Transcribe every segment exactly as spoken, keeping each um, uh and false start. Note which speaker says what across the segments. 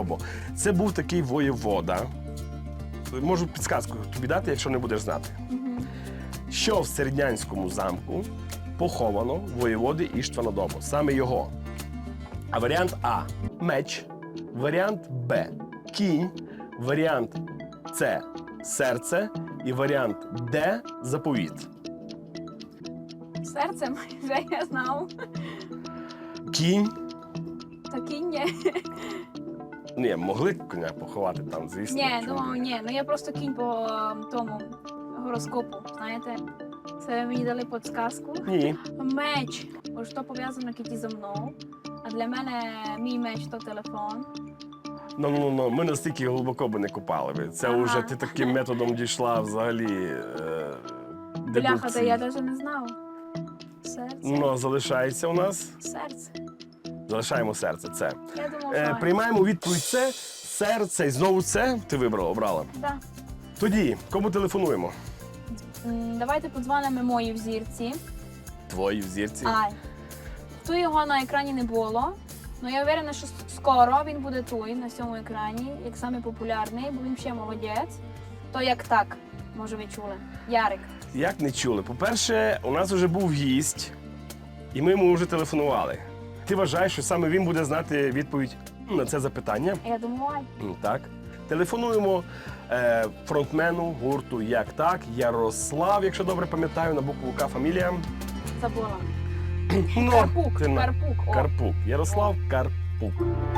Speaker 1: Добо. Це був такий воєвода. Можу підсказку тобі дати, якщо не будеш знати. Що в Середнянському замку поховано воєводи Іштвана Добо? Саме його. А варіант А – меч, варіант Б – кінь, варіант С – серце і варіант Д – заповіт.
Speaker 2: Серце вже я знав.
Speaker 1: Кінь.
Speaker 2: Та кінь ні.
Speaker 1: Ні, могли коня поховати там, звісно.
Speaker 2: Ні,
Speaker 1: чому
Speaker 2: думав,
Speaker 1: ні.
Speaker 2: ні. Ну я просто кінь по ем, тому гороскопу, знаєте. Це мені дали підсказку.
Speaker 1: Ні.
Speaker 2: Меч. Бо що пов'язано кіті зі мною. А для мене мій меч то телефон.
Speaker 1: Ну, ну, ну, ми настільки глибоко би не купали би. Це
Speaker 2: Ага.
Speaker 1: вже ти таким методом дійшла взагалі е,
Speaker 2: Бляха, та
Speaker 1: дедукції.
Speaker 2: я навіть не знав. Серце.
Speaker 1: Ну, залишається у нас.
Speaker 2: Серце.
Speaker 1: Залишаємо серце. Це.
Speaker 2: Я думав,
Speaker 1: Е,
Speaker 2: що...
Speaker 1: приймаємо відповідь це, серце і знову це. Ти вибрала, обрала.
Speaker 2: Да.
Speaker 1: Тоді, кому телефонуємо?
Speaker 2: М, Давайте подзвонимо моїй взірці.
Speaker 1: Твої в зірці.
Speaker 2: Ай. Тут його на екрані не було. Ну я впевнена, що скоро він буде тут, на цьому екрані, як самий популярний, бо він ще молодець. То як так, може ви чули. Ярик.
Speaker 1: Як не чули? По-перше, у нас вже був гість, і ми йому вже телефонували. Ти вважаєш, що саме він буде знати відповідь на це запитання?
Speaker 2: Я думаю, ай.
Speaker 1: Ну, так. Телефонуємо е, фронтмену гурту «Як так» Ярослав, якщо добре пам'ятаю, на букву К фамілія.
Speaker 2: Забула.
Speaker 1: Ну,
Speaker 2: Карпук,
Speaker 1: ти на-
Speaker 2: Карпук. О.
Speaker 1: Карпук. Ярослав Карпук.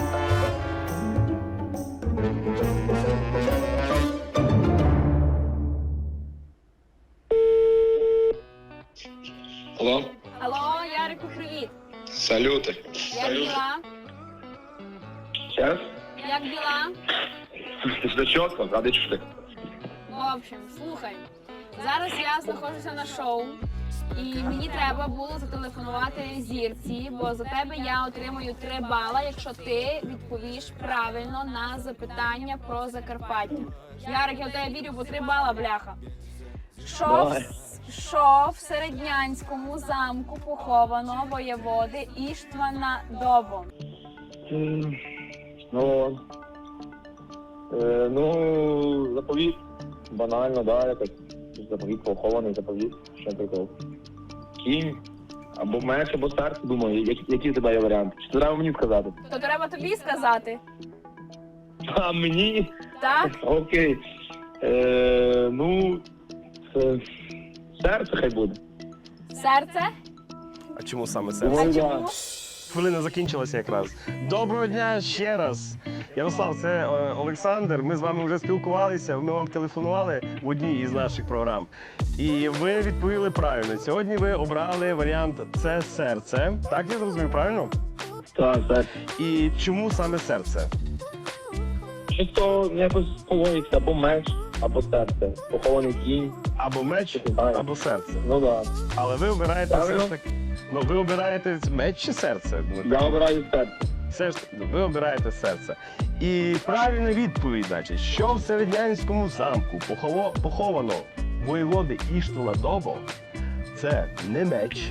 Speaker 3: Алло,
Speaker 2: Алло, Ярику, привіт.
Speaker 3: салюти.
Speaker 2: Як діла?
Speaker 3: Сейчас?
Speaker 2: Як діла?
Speaker 3: Все чітко, ради чути.
Speaker 2: В общем, слухай. Зараз я знаходжуся на шоу, і мені треба було зателефонувати зірці, бо за тебе я отримую три бала, якщо ти відповіш правильно на запитання про Закарпаття. Ярик, я в тебе вірю, бо три бала, бляха. Що,
Speaker 3: Давай.
Speaker 2: в, що в Середнянському замку поховано воєводи Іштвана Добо?
Speaker 3: М, Ну, е, ну, заповіт. Банально, да, якось. Заповіт, похований заповіт. Що прикол. Кінь. Або меч, або серце, думаю. Які, які в тебе є варіанти? Чи треба мені сказати?
Speaker 2: То треба тобі сказати,
Speaker 3: А мені?
Speaker 2: так?
Speaker 3: Окей. Е, ну, е, серце хай буде.
Speaker 2: Серце?
Speaker 1: А чому саме
Speaker 2: А
Speaker 1: серце?
Speaker 3: Ой, да.
Speaker 2: чому?
Speaker 1: Хвилина закінчилася якраз. Доброго дня ще раз. Ярослав, це е, Олександр. Ми з вами вже спілкувалися. Ми вам телефонували в одній із наших програм. І ви відповіли правильно. Сьогодні ви обрали варіант «Це серце». Так я зрозумів, правильно?
Speaker 3: Так, так.
Speaker 1: І чому саме серце?
Speaker 3: Чисто якось погодиться або меч, або серце. Похований кінь.
Speaker 1: Або меч,
Speaker 3: Так.
Speaker 1: або серце.
Speaker 3: Ну так.
Speaker 1: Але ви обираєте все
Speaker 3: Правильно.
Speaker 1: ж таки. Ну, ви обираєте меч чи серце? Ну,
Speaker 3: Я обираю серце.
Speaker 1: Все ж таки, ви обираєте серце. І правильна відповідь, значить, що в Середнянському замку похово- поховано воєводи Іштвана Добо, це не меч,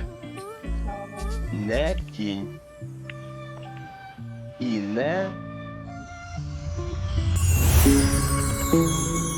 Speaker 1: не кінь і не